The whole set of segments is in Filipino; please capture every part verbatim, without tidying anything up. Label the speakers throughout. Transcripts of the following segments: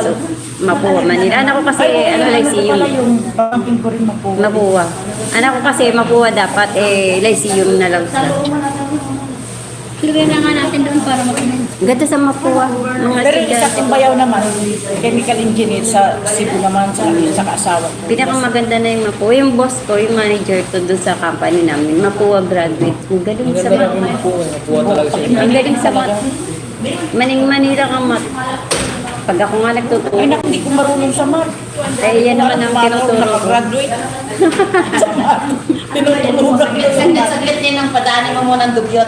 Speaker 1: So, Mapua, Manila. Anak ko kasi, ano, Lyceum.
Speaker 2: Yung pamangkin ko rin Mapua.
Speaker 1: Mapua. Anak ko kasi, Mapua dapat, eh, Lyceum na lang siya.
Speaker 3: Lagay na nga natin doon para makinig.
Speaker 1: Ganda sa Mapua. Mga
Speaker 2: Pero isa
Speaker 1: estudyante.
Speaker 2: Timbayaw naman, chemical engineer sa Cebu naman, sa sa kaasawa ko.
Speaker 1: Pinakamaganda na yung Mapua. Yung boss ko, yung manager to doon sa company namin. Mapua graduate. Ang galing sa mat.
Speaker 4: Nakuha talaga siya.
Speaker 1: Ang galing sa mat. Maning Manila ka mat. Pag ako nga
Speaker 2: Ay,
Speaker 1: nagtuturo,
Speaker 2: naku, hindi ko marunong sa math.
Speaker 1: eh, yan naman ang tinuturo ko.
Speaker 2: Graduate. Sa math. Tinuturugan ko sa math.
Speaker 5: Saglit din ang padaanin mo muna ng dugyot.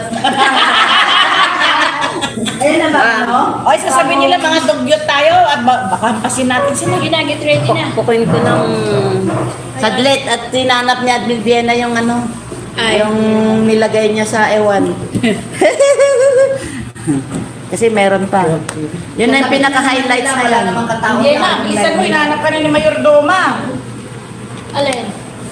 Speaker 2: Ayun na ba, no? Ay, sasabihin nila mga dugyot tayo at ba- baka pasin natin sila.
Speaker 3: Ginagit ready na.
Speaker 1: Pukuin ko ng...
Speaker 5: Saglit at tinanap niya at Viviana yung ano,
Speaker 3: Ay.
Speaker 5: yung nilagay niya sa ewan. Kasi meron pa. Yun na yung pinaka-highlights ngayon.
Speaker 2: Hindi na, isan mo, hinahanap ka na ni Mayor Doma.
Speaker 3: Alin?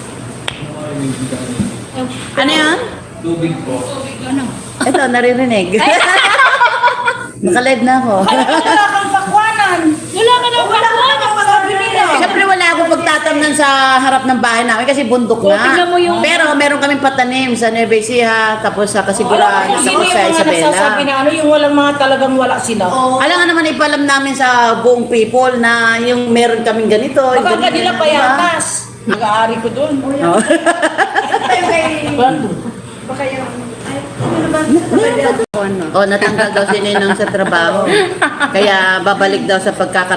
Speaker 5: Ano yun?
Speaker 4: Tubig po.
Speaker 3: Ano?
Speaker 5: Ito, naririnig. Naka-live na ako.
Speaker 2: Wala kang pakwanan.
Speaker 3: Wala ka na
Speaker 2: Wala ka na masabi nila.
Speaker 5: Siyempre wala akong pagtatamnan sa harap ng bahay namin kasi bundok
Speaker 3: Oh,
Speaker 5: na.
Speaker 3: tingnan mo yung-
Speaker 5: Pero meron kaming patanim sa Nueva Ecija, tapos sa Kasiguran,
Speaker 2: Sino
Speaker 5: tapos
Speaker 2: yung
Speaker 5: sa
Speaker 2: mga nagsasabi
Speaker 5: Isabela.
Speaker 2: na ano, yung walang mga talagang wala sila.
Speaker 5: Alam nga naman ipalam namin sa buong people na yung meron kaming ganito. yung
Speaker 2: Baka
Speaker 5: ganito,
Speaker 2: kanila
Speaker 5: diba?
Speaker 2: payatas. Nag-aari ko doon.
Speaker 5: Oh.
Speaker 1: Ano?
Speaker 5: Oh, natanggal daw si Ninong sa trabaho. Kaya babalik daw sa pagkakar...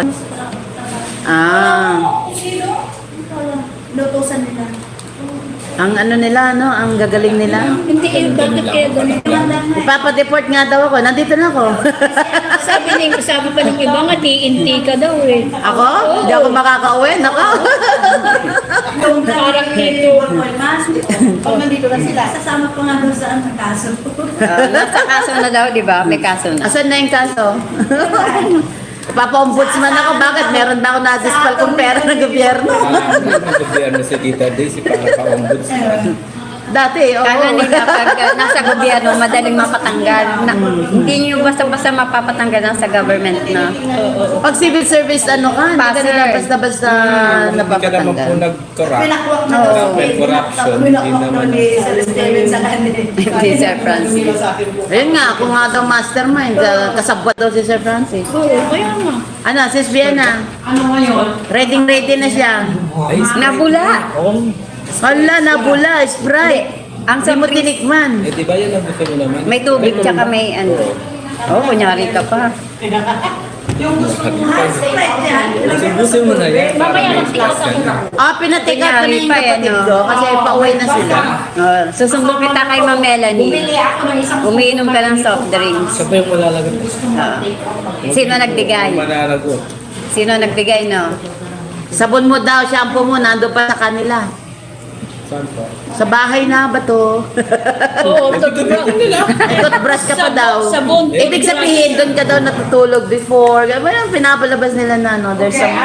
Speaker 5: Ah.
Speaker 3: Lutusan nila.
Speaker 5: Ang ano nila, no? Ang gagaling nila.
Speaker 3: Hindi eh, bakit kaya ganito?
Speaker 5: Ipapa-deport nga daw ako. Nandito na ako.
Speaker 3: Sabi ni, sabi pa ng iba nga, T N T ka daw eh.
Speaker 5: Ako? Hindi ako makaka-uwi. Nako.
Speaker 3: Parang dito.
Speaker 2: Pag nandito na sila.
Speaker 3: Sasama pa nga doon sa ang kaso.
Speaker 1: Ah, nasa kaso na daw, di ba? May kaso na.
Speaker 5: Asan na yung kaso? Papa-ombudsman ako. Bakit? Meron na ako na-dispal kong pera ng gobyerno.
Speaker 4: Gobyerno si Tita Daisy para ka-ombudsman.
Speaker 5: Dati, oo.
Speaker 1: Kala nila pag uh, nasa gobyerno, madaling mapatanggal. Na, hindi nyo basta-basta mapapatanggal lang sa government na.
Speaker 5: Pag civil service, ano ka? Hindi ka
Speaker 1: Passer.
Speaker 5: nila basta-basta
Speaker 4: Hindi ka naman po
Speaker 5: napapatanggal.
Speaker 4: nag-corrupt.
Speaker 2: na
Speaker 4: Well, corruption, hindi naman.
Speaker 1: Si Sir Francis.
Speaker 5: Ayun nga, ako nga daw mastermind. uh, Kasabwat daw si Sir Francis.
Speaker 3: Oo, kaya nga.
Speaker 5: Ano, sis Vienna?
Speaker 2: Ano ngayon?
Speaker 5: Ready ready na siya.
Speaker 4: Ay,
Speaker 1: Nabula!
Speaker 5: Hala, nabula, Sprite.
Speaker 1: Ang
Speaker 5: Hindi mo
Speaker 1: sabris.
Speaker 5: tinikman.
Speaker 4: eh di ba yan ang gusto mo naman?
Speaker 1: May tubig, tsaka may ano. Oh, kunyari ka pa.
Speaker 4: Subusin mo na yan.
Speaker 3: Mamaya mag-class ako.
Speaker 5: Ah, pinatik up ko na
Speaker 1: Kunyari
Speaker 5: yung
Speaker 1: pa,
Speaker 5: kapatid
Speaker 1: ano?
Speaker 5: ko kasi pauwi na sila.
Speaker 1: Oh, susumbong kita kay Ma'am Melanie.
Speaker 3: ako ng isang
Speaker 1: Umiinom ka ng soft drinks.
Speaker 4: Siya pa yung malalagot.
Speaker 1: Ah. Sino nagbigay?
Speaker 4: Mananagot.
Speaker 1: Sino nagbigay, no?
Speaker 5: Sabon mo daw, shampoo mo, nando pa sa kanila.
Speaker 4: Saan pa?
Speaker 5: Sa bahay na ba to?
Speaker 2: Oo, sabi ko nila.
Speaker 5: Toothbrush ka pa daw.
Speaker 2: Sabon.
Speaker 5: Ibig sabihin, doon ka daw natutulog before. Well, pinapalabas nila na, no? There's some...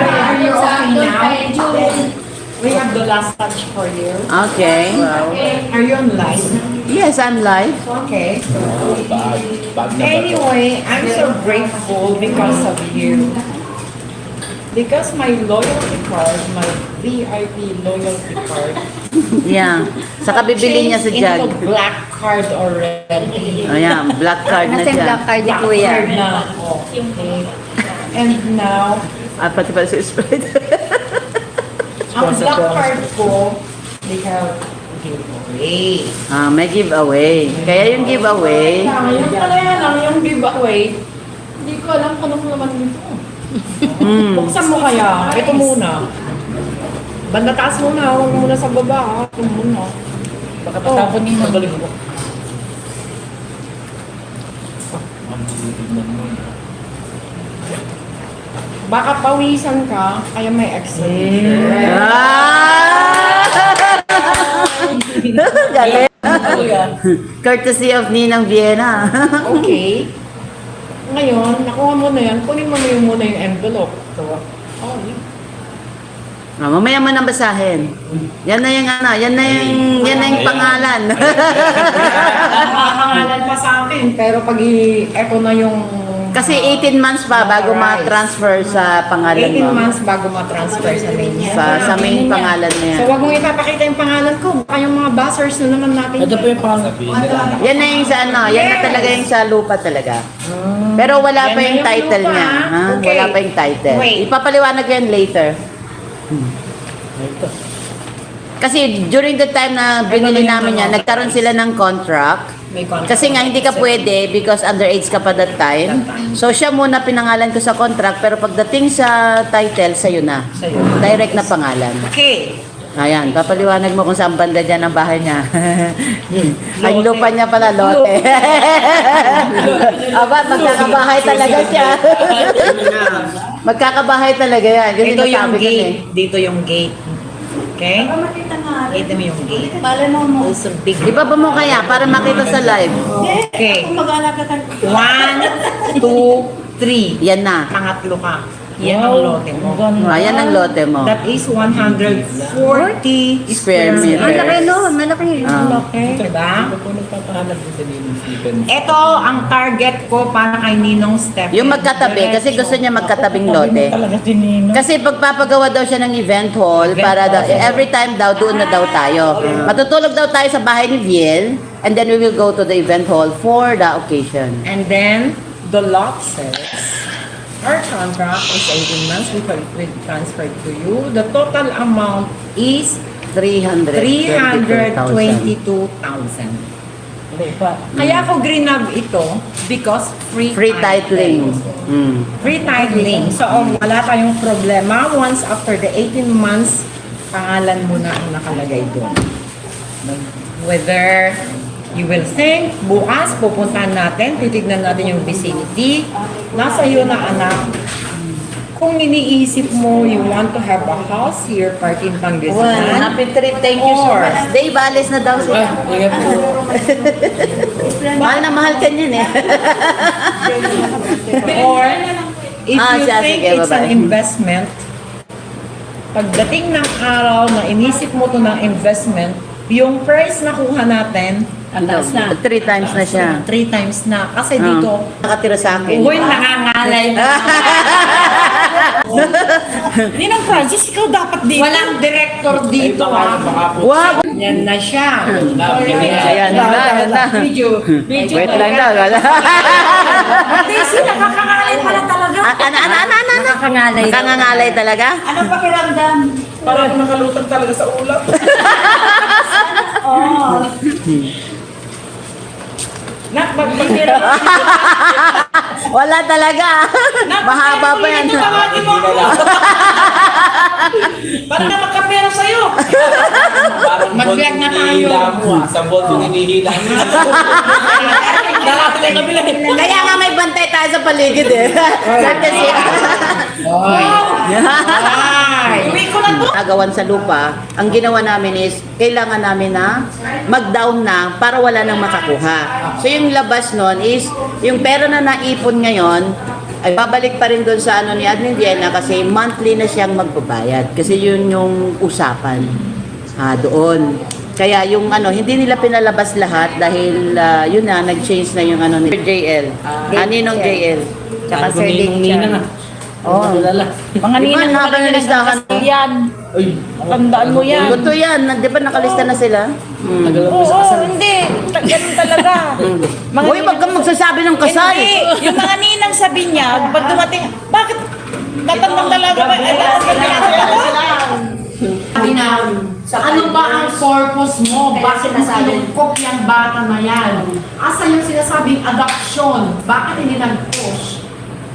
Speaker 2: We have the last touch for you.
Speaker 5: Okay.
Speaker 2: Are you on live?
Speaker 5: Yes, I'm live.
Speaker 2: Okay.
Speaker 4: Bag. Bag na ba to?
Speaker 2: Anyway, I'm so grateful because of you. Because my loyalty card, my V I P loyalty card,
Speaker 5: Yeah. Saka bibili niya sa
Speaker 2: changed
Speaker 5: jug.
Speaker 2: into black card already.
Speaker 5: Ayan, black card na
Speaker 1: Nasa yung
Speaker 5: siya.
Speaker 1: black card ni
Speaker 2: Black
Speaker 1: Kuya.
Speaker 2: card na ako. Okay. And now,
Speaker 5: Ah, pati pala si Sprite.
Speaker 2: ang black card ko, they have giveaway.
Speaker 5: Ah, may giveaway. Kaya yung giveaway,
Speaker 2: Yung pala yan, ang yung giveaway, hindi ko alam kung anong laman nito.
Speaker 5: mm,
Speaker 2: Buksan mo kaya. Ito muna. Banda taas muna. Huwag muna sa baba. ha? Ito muna. Baka tatapon niyo. Magaling mo. Baka pawisan ka, kaya may extra.
Speaker 5: ah! Galing. Courtesy of Ninang Vienna.
Speaker 2: Okay. Ngayon, nakuha mo na yan. Kunin mo na yung muna yung envelope. Ito. Oh, yun.
Speaker 5: Ah, mamaya mo nang basahin. Yan na yung ano, yan na yung, yan na yung pangalan.
Speaker 2: Nakakangalan pa sa akin. Pero pag i- eto na yung
Speaker 5: Kasi eighteen months pa bago
Speaker 2: Alright.
Speaker 5: ma-transfer sa pangalan
Speaker 2: eighteen
Speaker 5: mo.
Speaker 2: months bago ma-transfer sa main niya.
Speaker 5: Sa, sa main pangalan niya.
Speaker 2: So, wag mong ipapakita yung pangalan ko. Baka yung mga buzzers na naman natin.
Speaker 6: Ito po yung pangalan.
Speaker 4: Sabihin nila.
Speaker 5: Yan na yung sa ano, yan na
Speaker 2: Yes.
Speaker 5: talaga yung sa lupa talaga. Pero wala
Speaker 2: Yan
Speaker 5: pa
Speaker 2: na
Speaker 5: yung
Speaker 2: yung
Speaker 5: title
Speaker 2: lupa,
Speaker 5: niya.
Speaker 2: ah.
Speaker 5: Ha?
Speaker 2: Okay.
Speaker 5: Wala pa yung title.
Speaker 2: Wait.
Speaker 5: Ipapaliwanag ko yan later. Kasi during the time na binili namin yan, nagkaroon sila ng contract.
Speaker 2: May contract.
Speaker 5: Kasi nga hindi ka pwede because underage ka pa that time. So siya muna pinangalan ko sa contract pero pagdating sa title, sa'yo na.
Speaker 2: Sa'yo.
Speaker 5: Direct na pangalan.
Speaker 2: Okay.
Speaker 5: Ayan, papaliwanag mo kung saan banda dyan ang bahay niya. Ang lupa niya pala, lote. Aba, magkakabahay talaga siya. Magkakabahay talaga yan. Kasi
Speaker 2: Ito yung
Speaker 5: nasabi ko na eh.
Speaker 2: gate. Dito yung gate. Okay? Ito mo yung gate. Also big.
Speaker 5: Ibaba mo kaya para makita sa live.
Speaker 2: Okay. One, two, three.
Speaker 5: Yan na.
Speaker 2: Pangatlo ka. Yan ang lote mo.
Speaker 5: Ayan ang lote mo.
Speaker 2: That is one hundred forty
Speaker 5: Square
Speaker 2: square
Speaker 5: meter.
Speaker 1: Ang laki
Speaker 2: meters.
Speaker 1: no, malaki.
Speaker 5: Ah.
Speaker 2: Okay. Diba?
Speaker 4: Ito po nagpapahanap din sa Ninong Steven.
Speaker 2: Ito ang target ko para kay Ninong Stephen.
Speaker 5: Yung magkatabi, kasi gusto niya magkatabing lote.
Speaker 6: Talaga si Nino.
Speaker 5: Kasi pagpapagawa daw siya ng event hall, para daw, every time daw, doon na daw tayo. Matutulog daw tayo sa bahay ni Viel, and then we will go to the event hall for the occasion.
Speaker 2: And then, the lot says, our contract is eighteen months. We will we transfer to you. The total amount is
Speaker 5: three hundred
Speaker 2: three hundred
Speaker 5: twenty-two
Speaker 2: twenty-two thousand. Kaya ako grinab ito because free,
Speaker 5: Free titling. Mm.
Speaker 2: Free titling. So, um, wala tayong problema. Once after the eighteen months, pangalan mo na ang nakalagay doon. Whether you will think, bukas pupuntahan natin, titignan natin yung vicinity. Nasa iyo na anak. Kung iniisip mo, you want to have a house here, part in
Speaker 5: Well,
Speaker 2: Pangasinan,
Speaker 5: happy trip. Thank you so
Speaker 2: Or-
Speaker 5: much. Dave, alis na daw siya.
Speaker 6: Ingat po.
Speaker 5: Mahal na mahal ka niyan eh.
Speaker 2: or if
Speaker 5: Ah,
Speaker 2: you
Speaker 5: siya,
Speaker 2: think
Speaker 5: sige,
Speaker 2: it's an
Speaker 5: bye-bye.
Speaker 2: investment, pagdating ng araw na inisip mo to ng investment, yung price na kuha natin,
Speaker 3: Ang taas na.
Speaker 5: Three times na siya.
Speaker 2: three times na. Kasi
Speaker 5: Ah.
Speaker 2: dito,
Speaker 5: Nakatira sa akin.
Speaker 2: uy, nangangalay na. Ninang Francis, ikaw dapat dito. Walang director dito, ha?
Speaker 5: Wow!
Speaker 2: Yan na siya.
Speaker 5: Ayan na, ayan na.
Speaker 2: Video. Video.
Speaker 5: Wait lang daw.
Speaker 2: Daisy, nakakakalay pala talaga.
Speaker 5: Ano, ano, ano, ano, ano?
Speaker 1: Nakakangalay.
Speaker 5: Nakangangalay talaga?
Speaker 2: Anong pakiramdam?
Speaker 6: Parang nakalutang talaga sa ulam.
Speaker 2: Nak, magpapira.
Speaker 5: Wala talaga. Mahaba pa yan.
Speaker 2: Tawagin mo ako. Para na magkapera sa'yo.
Speaker 4: Parang
Speaker 2: Mag-vlog na tayo.
Speaker 4: hinihila mo ah. Sa bolt yung hinihila mo.
Speaker 2: Darating na kabila.
Speaker 5: Kaya nga may bantay tayo sa paligid eh. Kasi
Speaker 2: Ay. Uwi ko na to.
Speaker 5: agawan sa lupa, ang ginawa namin is, kailangan namin na mag-down na para wala nang makakuha. So yung labas nun is, yung pera na naipon ngayon, ay babalik pa rin doon sa ano ni Admin Vienna kasi monthly na siyang magbabayad. Kasi yun yung usapan ah, doon. Kaya yung ano, hindi nila pinalabas lahat dahil ah, yun na, nag-change na yung ano ni J L. Ah, Ninong J L.
Speaker 1: Tsaka Sir Dick
Speaker 6: Nina na.
Speaker 5: Oh.
Speaker 3: Mga
Speaker 5: Di ba
Speaker 3: ninang
Speaker 5: haba ng listahan mo?
Speaker 3: yan.
Speaker 6: Uy,
Speaker 3: Tandaan mo yan.
Speaker 5: Totoo yan. Di ba nakalista na sila? Hmm.
Speaker 6: nagalang
Speaker 3: Oo,
Speaker 6: mo sa kasal.
Speaker 3: hindi. Ta- Ganun talaga. Mga
Speaker 5: Uy, wag kang magsasabi ng kasal.
Speaker 3: Hindi. Yung mga ninang sa binyag, pag dumating, bakit tatandang talaga ba? Ay, bakit ba
Speaker 7: Ano ba ang purpose mo? Bakit mo kinukok yung bata na yan? Asa yung sinasabing adoption? Bakit hindi nag-push?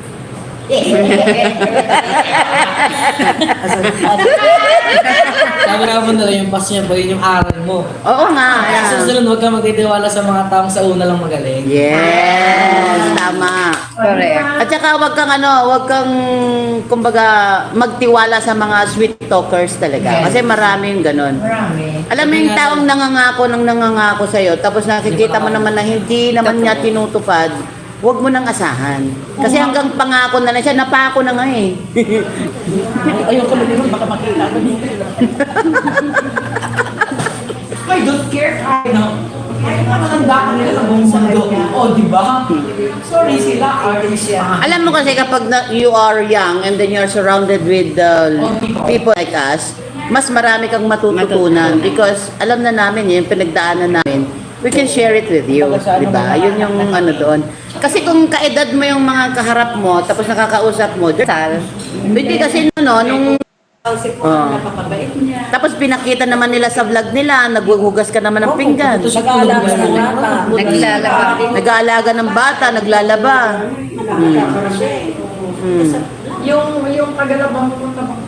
Speaker 6: Sabi nga mo nila yung pass niya ba yun yung aral mo.
Speaker 5: Oo nga.
Speaker 6: Kaya sa susunod, huwag kang magtitiwala sa mga taong sa una lang magaling.
Speaker 5: Yes, tama.
Speaker 1: Correct.
Speaker 5: At saka wag kang ano, wag kang kumbaga magtiwala sa mga sweet talkers talaga. Kasi maraming ganun.
Speaker 2: Marami.
Speaker 5: Alam mo yung taong nangangako ng nangangako sa'yo, tapos nakikita mo naman na hindi naman niya tinutupad, huwag mo nang asahan. Kasi hanggang pangako na lang siya, napako na nga eh.
Speaker 7: Ayoko na din, baka makita ko dito. I don't care. I know. Kaya nga matanda ka nila sa buong mundo. O, di ba? Sorry sila, artist yan.
Speaker 5: Alam mo kasi kapag na, you are young and then you're surrounded with uh, people like us, mas marami kang matututunan because alam na namin yun, pinagdaanan namin. We can share it with you, di ba? Yun yung ano doon. Kasi kung kaedad mo yung mga kaharap mo, tapos nakakausap mo, sal, hindi kasi no, nung Oh. Tapos pinakita naman nila sa vlog nila, naghuhugas ka naman ng pinggan.
Speaker 3: Nag-aalaga ng bata.
Speaker 1: Naglalaba.
Speaker 5: Nag-aalaga ng bata, naglalaba. Hmm. Hmm.
Speaker 7: Yung, yung kagalabang pupunta mo.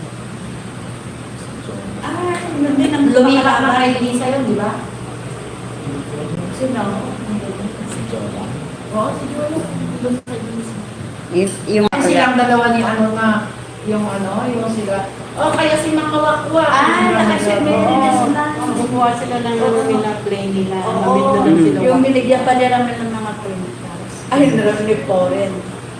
Speaker 7: Lumipat na kay Lisa yun, di ba? Sino? Si Jola. Oo, si Jola.
Speaker 1: Yung, yung
Speaker 7: Ay, silang dalawa ni ano na, yung ano, yung sila. Oh, kaya si Makawakwa.
Speaker 8: Ah, nakasubmit na sila.
Speaker 3: Gumawa sila ng ano nila, play nila.
Speaker 7: Oo.
Speaker 3: Nabit na lang sila.
Speaker 8: Yung binigyan pa nila namin ng mga printas.
Speaker 3: Ay, nalang ni Poren.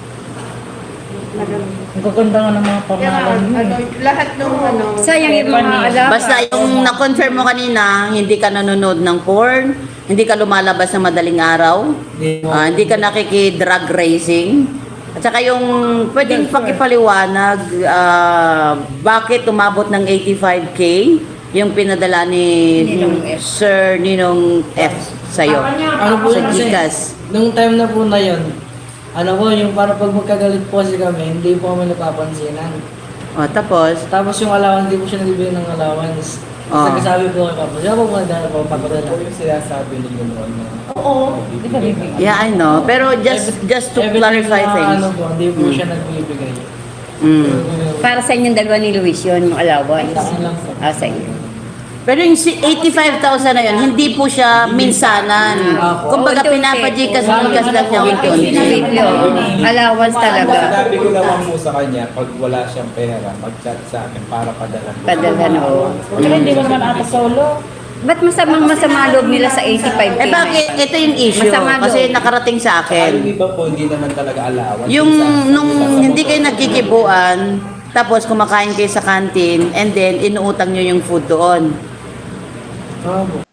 Speaker 3: Ang gaganda nga ng mga pangalan mo.
Speaker 8: Ano, lahat ng ano.
Speaker 1: sayang yung mga alaga.
Speaker 5: Basta yung na-confirm mo kanina, hindi ka nanonood ng porn, hindi ka lumalabas ng madaling araw, ah, hindi ka nakiki-drug racing, at saka yung pwedeng pakipaliwanag ah, bakit umabot ng eighty-five K yung pinadala ni
Speaker 1: Ninong F.
Speaker 5: Sir Ninong F sa'yo.
Speaker 6: Ano po
Speaker 5: Sa
Speaker 6: yun kasi,
Speaker 5: Gcash.
Speaker 6: nung time na po na yun, ano po, yung para pag magkagalit po kasi kami, hindi po kami napapansinan.
Speaker 5: O, tapos,
Speaker 6: Tapos yung allowance, hindi po siya nagbibigay ng allowance.
Speaker 5: Ah.
Speaker 6: Tapos nagsasabi po kay Papa, siya po mga dala po, papadala.
Speaker 4: Ano yung sinasabi ni Lunon na
Speaker 7: Oo.
Speaker 5: yeah, I know. Pero just just to
Speaker 6: Everything
Speaker 5: clarify
Speaker 6: na,
Speaker 5: things.
Speaker 6: Ano po, hindi po siya nagbibigay.
Speaker 5: Mm.
Speaker 1: Para sa inyong dalawa ni Luis yun, yung allowance.
Speaker 6: Ano lang po.
Speaker 1: Ah, sa inyo.
Speaker 5: Pero yung si- eighty-five thousand na yun, hindi po siya minsanan. Kumbaga
Speaker 1: Unti-unti.
Speaker 5: pinapajikas jikas lang niya unti-unti.
Speaker 1: Weekly, oh. Allowance talaga.
Speaker 4: Sinabi ko naman po sa kanya, pag wala siyang pera, mag-chat sa akin para padala po.
Speaker 1: Padala, no.
Speaker 3: Tsaka hindi mo naman ata solo.
Speaker 1: Ba't masamang masama loob nila sa eighty-five K?
Speaker 5: Eh bakit? Ito yung issue.
Speaker 1: Masama
Speaker 5: Kasi
Speaker 1: loob.
Speaker 5: nakarating sa
Speaker 4: Yung
Speaker 5: akin.
Speaker 4: iba po, hindi naman talaga allowance.
Speaker 5: Yung
Speaker 4: Sa-
Speaker 5: nung
Speaker 4: sa-
Speaker 5: hindi kayo nagkikibuan, tapos kumakain kayo sa canteen, and then inuutang nyo yung food doon.
Speaker 6: Oo po.